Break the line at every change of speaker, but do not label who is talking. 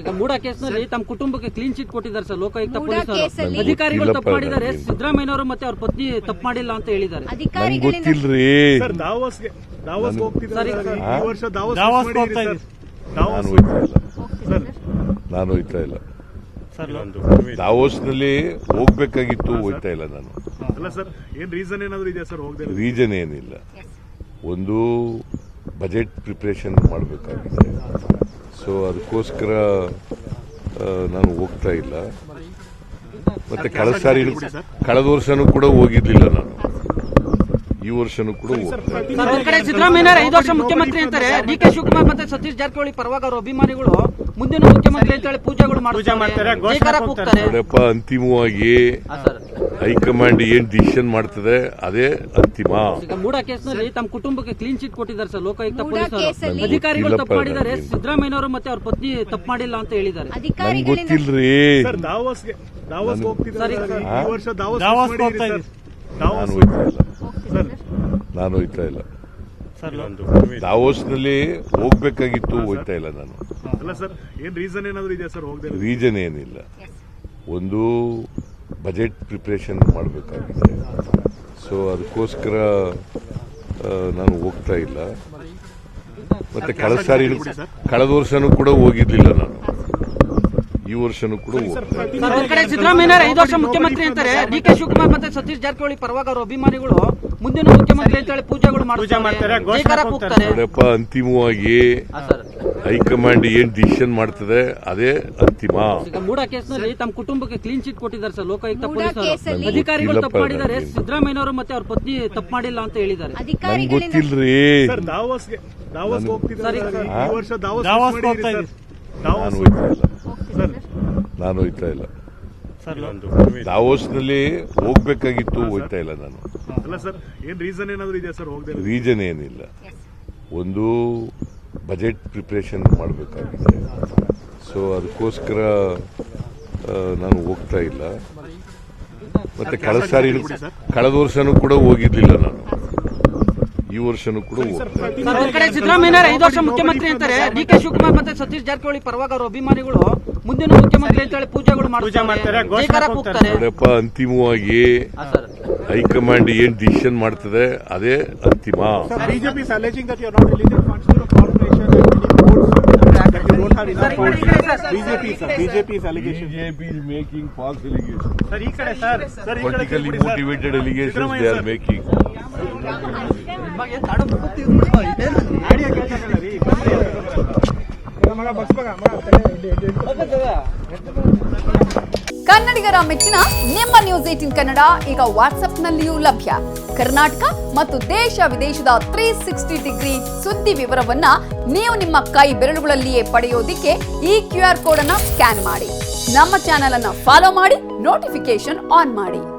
ಈಗ ಮೂಡ ಕೇಸ್ನಲ್ಲಿ ತಮ್ಮ ಕುಟುಂಬಕ್ಕೆ ಕ್ಲೀನ್ ಚಿಟ್ ಕೊಟ್ಟಿದ್ದಾರೆ ಸರ್ ಲೋಕಾಯುಕ್ತ ಪೊಲೀಸರು. ಅಧಿಕಾರಿಗಳು ತಪ್ಪು ಮಾಡಿದ್ದಾರೆ, ಸಿದ್ದರಾಮಯ್ಯನವರು ಮತ್ತೆ ಅವ್ರ ಪತ್ನಿ ತಪ್ಪು ಮಾಡಿಲ್ಲ ಅಂತ ಹೇಳಿದ್ದಾರೆ.
ಗೊತ್ತಿಲ್ರಿ. ನಾನು ಹೋಯ್ತಾ ಇಲ್ಲ. ದಾವೋಸ್ನಲ್ಲಿ ಹೋಗ್ಬೇಕಾಗಿತ್ತು, ಹೋಯ್ತಾ ಇಲ್ಲ ನಾನು. ರೀಸನ್ ಏನಿಲ್ಲ, ಒಂದು ಬಜೆಟ್ ಪ್ರಿಪರೇಷನ್ ಮಾಡಬೇಕಾಗಿದೆ. ಸೊ ಅದಕ್ಕೋಸ್ಕರ ನಾನು ಹೋಗ್ತಾ ಇಲ್ಲ. ಮತ್ತೆ ಕಳೆದ ವರ್ಷನೂ ಕೂಡ ಹೋಗಿರ್ಲಿಲ್ಲ ನಾನು, ಈ ವರ್ಷನೂ ಕೂಡ ಹೋಗ್ತಾ ಇಲ್ಲ.
ಒಂದ್ ಕಡೆ ಸಿದ್ದರಾಮಯ್ಯ 5 ವರ್ಷ ಮುಖ್ಯಮಂತ್ರಿ ಅಂತಾರೆ, ಡಿ.ಕೆ. ಶಿವಕುಮಾರ್ ಮತ್ತೆ ಸತೀಶ್ ಜಾರಕಿಹೊಳಿ ಪರವಾಗಿ ಅವರ ಅಭಿಮಾನಿಗಳು ಮುಂದಿನ ಮುಖ್ಯಮಂತ್ರಿ ಅಂತ ಹೇಳಿ ಪೂಜೆಗಳು ಮಾಡ್ತಾರೆ.
ನೋಡಪ್ಪ, ಅಂತಿಮವಾಗಿ ಹೈಕಮಾಂಡ್ ಏನ್ ಡಿಸಿಷನ್ ಮಾಡ್ತದೆ ಅದೇ ಅಂತಿಮ.
ಈಗ ಮೂಡ ಕೇಸ್ನಲ್ಲಿ ತಮ್ಮ ಕುಟುಂಬಕ್ಕೆ ಕ್ಲೀನ್ ಚಿಟ್ ಕೊಟ್ಟಿದ್ದಾರೆ ಸರ್ ಲೋಕಾಯುಕ್ತ ಪೊಲೀಸರು. ಅಧಿಕಾರಿಗಳು ತಪ್ಪು ಮಾಡಿದ್ದಾರೆ, ಸಿದ್ದರಾಮಯ್ಯನವರು ಮತ್ತೆ ಅವ್ರ ಪತ್ನಿ ತಪ್ಪು ಮಾಡಿಲ್ಲ ಅಂತ ಹೇಳಿದ್ದಾರೆ.
ಗೊತ್ತಿಲ್ರಿ. ನಾನು ಹೋಯ್ತಾ ಇಲ್ಲ. ದಾವೋಸ್ನಲ್ಲಿ ಹೋಗ್ಬೇಕಾಗಿತ್ತು, ಹೋಯ್ತಾ ಇಲ್ಲ ನಾನು. ರೀಸನ್ ಏನಿಲ್ಲ, ಒಂದು ಬಜೆಟ್ ಪ್ರಿಪರೇಷನ್ ಮಾಡಬೇಕಾಗಿದೆ. ಸೊ ಅದಕ್ಕೋಸ್ಕರ ನಾನು ಹೋಗ್ತಾ ಇಲ್ಲ. ಮತ್ತೆ ಕಳೆದ ವರ್ಷನೂ ಕೂಡ ಹೋಗಿರ್ಲಿಲ್ಲ ನಾನು, ಈ ವರ್ಷನೂ ಕೂಡ ಹೋಗ್ತಾ ಇಲ್ಲ.
ಒಂದ್ ಕಡೆ ಸಿದ್ದರಾಮಯ್ಯ 5 ವರ್ಷ ಮುಖ್ಯಮಂತ್ರಿ ಅಂತಾರೆ, ಡಿ.ಕೆ. ಶಿವಕುಮಾರ್ ಮತ್ತೆ ಸತೀಶ್ ಜಾರಕಿಹೊಳಿ ಪರವಾಗಿ ಅವರ ಅಭಿಮಾನಿಗಳು ಮುಂದಿನ ಮುಖ್ಯಮಂತ್ರಿ ಅಂತ ಹೇಳಿ ಪೂಜೆಗಳು ಮಾಡ್ತಾರೆ.
ನೋಡಪ್ಪ, ಅಂತಿಮವಾಗಿ ಹೈಕಮಾಂಡ್ ಏನ್ ಡಿಸಿಷನ್ ಮಾಡ್ತದೆ ಅದೇ ಅಂತಿಮ.
ಈಗ ಮೂಡ ಕೇಸ್ನಲ್ಲಿ ತಮ್ಮ ಕುಟುಂಬಕ್ಕೆ ಕ್ಲೀನ್ ಚಿಟ್ ಕೊಟ್ಟಿದ್ದಾರೆ ಸರ್ ಲೋಕಾಯುಕ್ತ ಪೊಲೀಸರು. ಅಧಿಕಾರಿಗಳು ತಪ್ಪು ಮಾಡಿದ್ದಾರೆ, ಸಿದ್ದರಾಮಯ್ಯನವರು ಮತ್ತೆ ಅವ್ರ ಪತ್ನಿ ತಪ್ಪು ಮಾಡಿಲ್ಲ ಅಂತ ಹೇಳಿದ್ದಾರೆ.
ಗೊತ್ತಿಲ್ರಿ. ನಾನು ಹೋಯ್ತಾ ಇಲ್ಲ. ದಾವೋಸ್ನಲ್ಲಿ ಹೋಗ್ಬೇಕಾಗಿತ್ತು, ಹೋಯ್ತಾ ಇಲ್ಲ ನಾನು. ರೀಸನ್ ಏನಿಲ್ಲ, ಒಂದು ಬಜೆಟ್ ಪ್ರಿಪರೇಷನ್ ಮಾಡಬೇಕಾಗಿದೆ. ಸೊ ಅದಕ್ಕೋಸ್ಕರ ನಾನು ಹೋಗ್ತಾ ಇಲ್ಲ. ಮತ್ತೆ ಕಳೆದ ವರ್ಷನೂ ಕೂಡ ಹೋಗಿರ್ಲಿಲ್ಲ ನಾನು, ಈ ವರ್ಷನೂ ಕೂಡ ಹೋಗ್ತಾ ಇಲ್ಲ.
ಒಂದ್ ಕಡೆ ಸಿದ್ದರಾಮಯ್ಯ 5 ವರ್ಷ ಮುಖ್ಯಮಂತ್ರಿ ಅಂತಾರೆ, ಡಿ.ಕೆ. ಶಿವಕುಮಾರ್ ಮತ್ತೆ ಸತೀಶ್ ಜಾರಕಿಹೊಳಿ ಪರವಾಗಿ ಅವರ ಅಭಿಮಾನಿಗಳು ಮುಂದಿನ ಮುಖ್ಯಮಂತ್ರಿ ಅಂತ ಹೇಳಿ ಪೂಜೆಗಳು ಮಾಡ್ತಾರೆ.
ನೋಡಪ್ಪ, ಅಂತಿಮವಾಗಿ ಹೈಕಮಾಂಡ್ ಏನ್ ಡಿಸಿಷನ್ ಮಾಡ್ತದೆ ಅದೇ ಅಂತಿಮ.
BJP is alleging that you are not releasing funds to the corporation and many boards that you don't have enough funds. BJP is allegation.
BJP is making false allegations.
Sir, ಈ ಕಡೆ sir
Politically motivated allegations they are making.
ಕನ್ನಡಿಗರ ಮೆಚ್ಚಿನ ನಿಮ್ಮ news 18 Kannada ಈಗ ವಾಟ್ಸ್ಆಪ್ನಲ್ಲಿಯೂ ಲಭ್ಯ. ಕರ್ನಾಟಕ ಮತ್ತು ದೇಶ ವಿದೇಶದ 360 ಡಿಗ್ರಿ ಸುದ್ದಿ ವಿವರವನ್ನ ನೀವು ನಿಮ್ಮ ಕೈ ಬೆರಳುಗಳಲ್ಲಿಯೇ ಪಡೆಯೋದಿಕ್ಕೆ ಈ QR ಕೋಡ್ ಅನ್ನ ಸ್ಕ್ಯಾನ್ ಮಾಡಿ. ನಮ್ಮ ಚಾನೆಲ್ ಅನ್ನ ಫಾಲೋ ಮಾಡಿ, ನೋಟಿಫಿಕೇಶನ್ ಆನ್ ಮಾಡಿ.